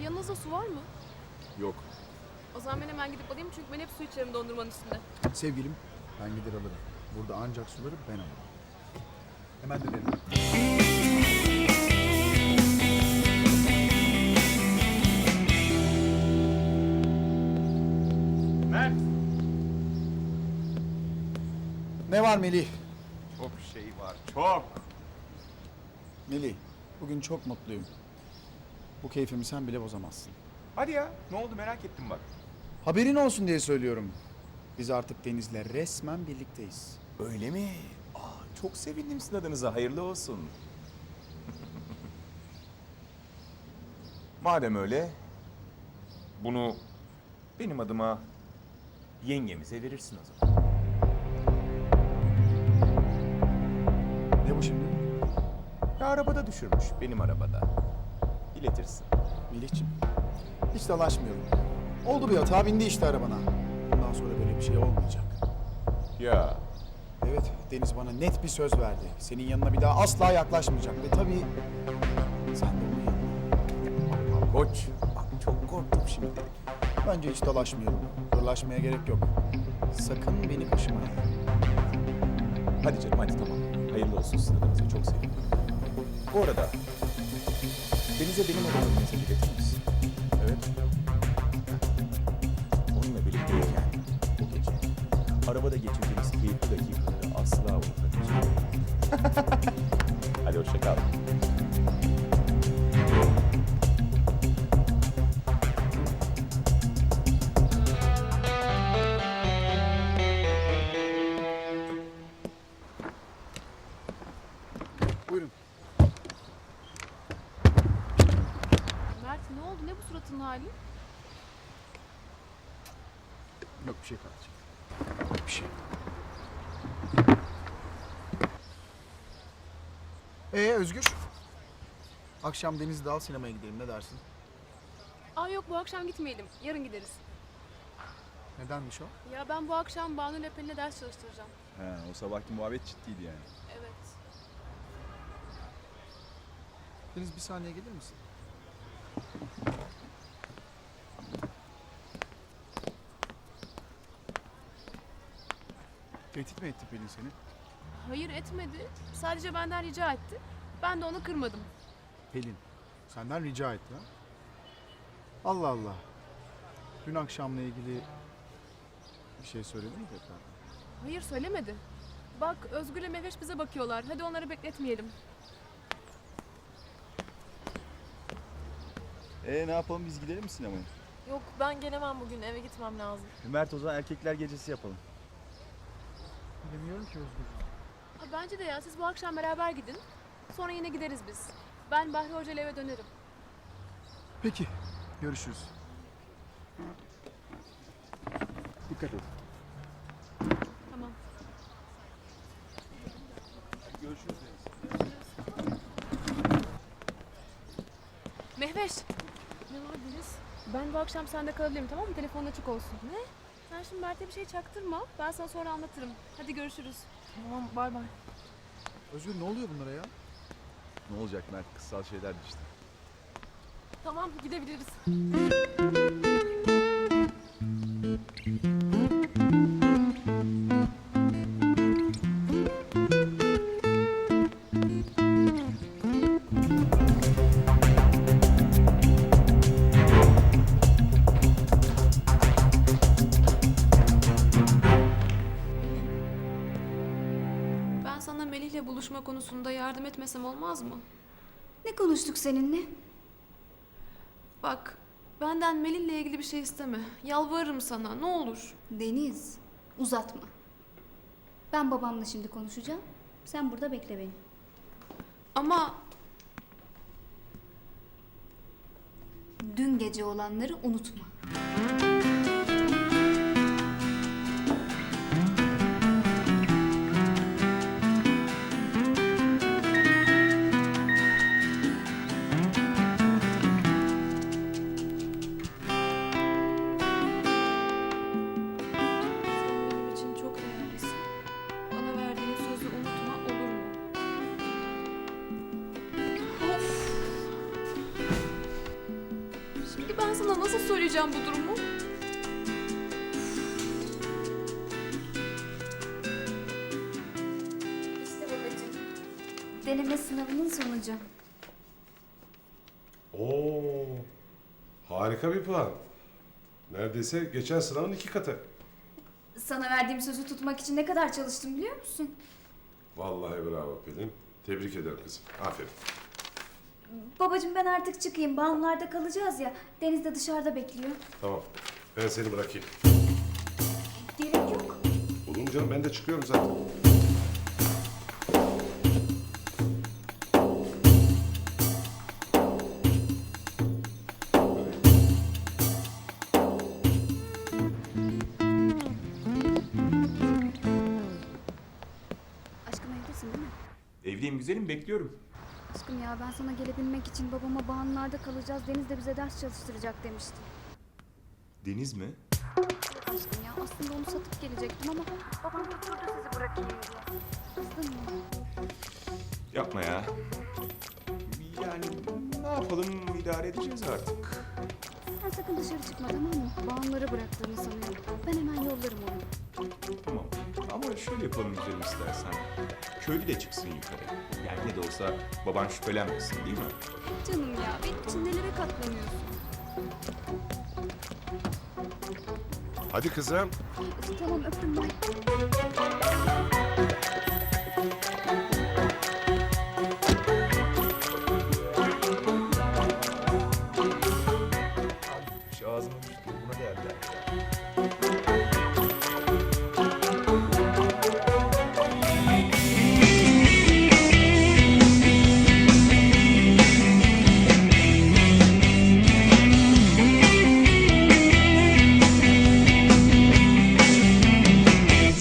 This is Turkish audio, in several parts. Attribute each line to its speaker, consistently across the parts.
Speaker 1: Yanınızda su var mı?
Speaker 2: Yok.
Speaker 1: O zaman ben hemen gidip alayım çünkü ben hep su içerim dondurmanın üstünde.
Speaker 2: Sevgilim, ben gider alırım. Burada ancak suları ben alırım. Hemen dönelim.
Speaker 3: Mert!
Speaker 2: Ne var Melih?
Speaker 3: Çok şey var, çok.
Speaker 2: Melih, bugün çok mutluyum. Bu keyfimi sen bile bozamazsın.
Speaker 3: Hadi ya, ne oldu merak ettim bak.
Speaker 2: Haberin olsun diye söylüyorum. Biz artık Deniz'le resmen birlikteyiz.
Speaker 3: Öyle mi? Aa, çok sevindim sizin adınıza, hayırlı olsun. Madem öyle, bunu benim adıma yengemize verirsin o zaman.
Speaker 2: Ne bu şimdi?
Speaker 3: Ya arabada düşürmüş, benim arabada. İletirsin.
Speaker 2: Melih'ciğim, hiç dalaşmayalım. Oldu bir hata, bindi işte arabana. Bundan sonra böyle bir şey olmayacak.
Speaker 3: Ya,
Speaker 2: Evet, Deniz bana net bir söz verdi. Senin yanına bir daha asla yaklaşmayacak. Ve tabii sen de onun yanına.
Speaker 3: koç, bak çok korktum şimdi.
Speaker 2: Bence hiç dalaşmayalım. Hırlaşmaya gerek yok. Sakın beni kaşımayın.
Speaker 3: Hadi canım, hadi tamam. Hayırlı olsun sizin adınıza, çok sevindim. Bu arada, Deniz'e benim adımı mesaj iletir misin?
Speaker 2: Evet.
Speaker 3: Onunla birlikteyken bu gece arabada geçirdiğimiz keyifli dakikaları asla unutamayacağım. Hadi hoşça kal.
Speaker 2: Buyurun.
Speaker 1: Mert ne oldu? Ne bu suratın hali?
Speaker 2: Yok bir şey kardeşim. Bir şey. Özgür. Akşam Deniz'de al sinemaya gidelim, ne dersin?
Speaker 1: Aa yok bu akşam gitmeyelim. Yarın gideriz.
Speaker 2: Nedenmiş o?
Speaker 1: Ya ben bu akşam Banu ile Pelin'e ders çalıştıracağım.
Speaker 4: He, o sabahki muhabbet ciddiydi yani.
Speaker 1: Evet.
Speaker 2: Deniz bir saniye gelir misin? Tehdit mi etti Pelin seni?
Speaker 1: Hayır etmedi. Sadece benden rica etti. Ben de onu kırmadım.
Speaker 2: Pelin, senden rica etti ha? Allah Allah. Dün akşamla ilgili bir şey söyledin mi tekrar?
Speaker 1: Hayır söylemedi. Bak Özgür'le Mehveş bize bakıyorlar. Hadi onları bekletmeyelim.
Speaker 4: Ne yapalım, biz gidelim mi sinemaya?
Speaker 5: Yok ben gelemem bugün, eve gitmem lazım.
Speaker 4: Mert, o zaman erkekler gecesi yapalım.
Speaker 2: Bilmiyorum ki Özgür.
Speaker 1: Ha, bence de ya siz bu akşam beraber gidin. Sonra yine gideriz biz. Ben Bahri Hoca ile eve dönerim.
Speaker 2: Peki, görüşürüz. Dikkat et.
Speaker 1: Tamam.
Speaker 4: Görüşürüz Deniz.
Speaker 1: Mehveş. Ne var Deniz? Ben bu akşam sende kalabilirim tamam mı? Telefonun açık olsun. Ne? Sen şimdi Mert'e bir şey çaktırma. Ben sana sonra anlatırım. Hadi görüşürüz.
Speaker 5: Tamam, bay bay.
Speaker 2: Özgür ne oluyor bunlara ya?
Speaker 4: Ne olacak Mert, kıssal şeylerdi işte.
Speaker 1: Tamam gidebiliriz. Ben sana Melih'le buluşma konusunda yardım etmesem olmaz mı?
Speaker 6: Ne konuştuk seninle?
Speaker 1: Bak, benden Melih'le ilgili bir şey isteme. Yalvarırım sana, ne olur.
Speaker 6: Deniz, uzatma. Ben babamla şimdi konuşacağım. Sen burada bekle beni.
Speaker 1: Ama
Speaker 6: Dün gece olanları unutma.
Speaker 1: sen benim için çok değerlisin. Bana verdiğin sözü unutma, olur mu? Of! Peki ben sana nasıl söyleyeceğim bu durumu?
Speaker 6: İşte babacığım. Deneme sınavının sonucu.
Speaker 7: Oo, harika bir plan. Neredeyse geçen sınavın 2 katı.
Speaker 6: Sana verdiğim sözü tutmak için ne kadar çalıştım biliyor musun?
Speaker 7: Vallahi bravo Pelin. Tebrik ederim kızım. Aferin.
Speaker 6: Babacığım ben artık çıkayım. Bağımlarda kalacağız ya. Deniz de dışarıda bekliyor.
Speaker 7: Tamam. Ben seni bırakayım.
Speaker 6: Gerek yok.
Speaker 7: Olur mu canım? Ben de çıkıyorum zaten.
Speaker 6: Aşkım evdesin değil mi?
Speaker 3: Evliyim güzelim, bekliyorum.
Speaker 6: Aşkım ya ben sana gelebilmek için babama bağımlarda kalacağız. Deniz de bize ders çalıştıracak demişti.
Speaker 3: Deniz mi?
Speaker 6: Aşkım ya aslında onu satıp gelecektim ama babam götürdü sizi bırakayım diye. Kızdın mı?
Speaker 3: Yapma ya. Yani ne yapalım, idare edeceğiz artık.
Speaker 6: Sen sakın dışarı çıkma tamam mı? Bağımları bıraktığını sanıyorum. Ben hemen yollarım onu.
Speaker 3: Tamam. Ama şöyle yapalım güzelim istersen. Köylü de çıksın yukarı. Yani ne de olsa baban şüphelenmesin değil mi?
Speaker 6: Canım ya benim için nelere katlanıyorsun?
Speaker 7: Hadi kızım.
Speaker 6: Tamam öptüm bay.
Speaker 3: Şu ağzıma düştü. Buna değerler.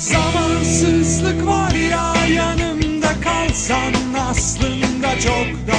Speaker 8: Zamansızlık var ya yanımda kalsan aslında çok da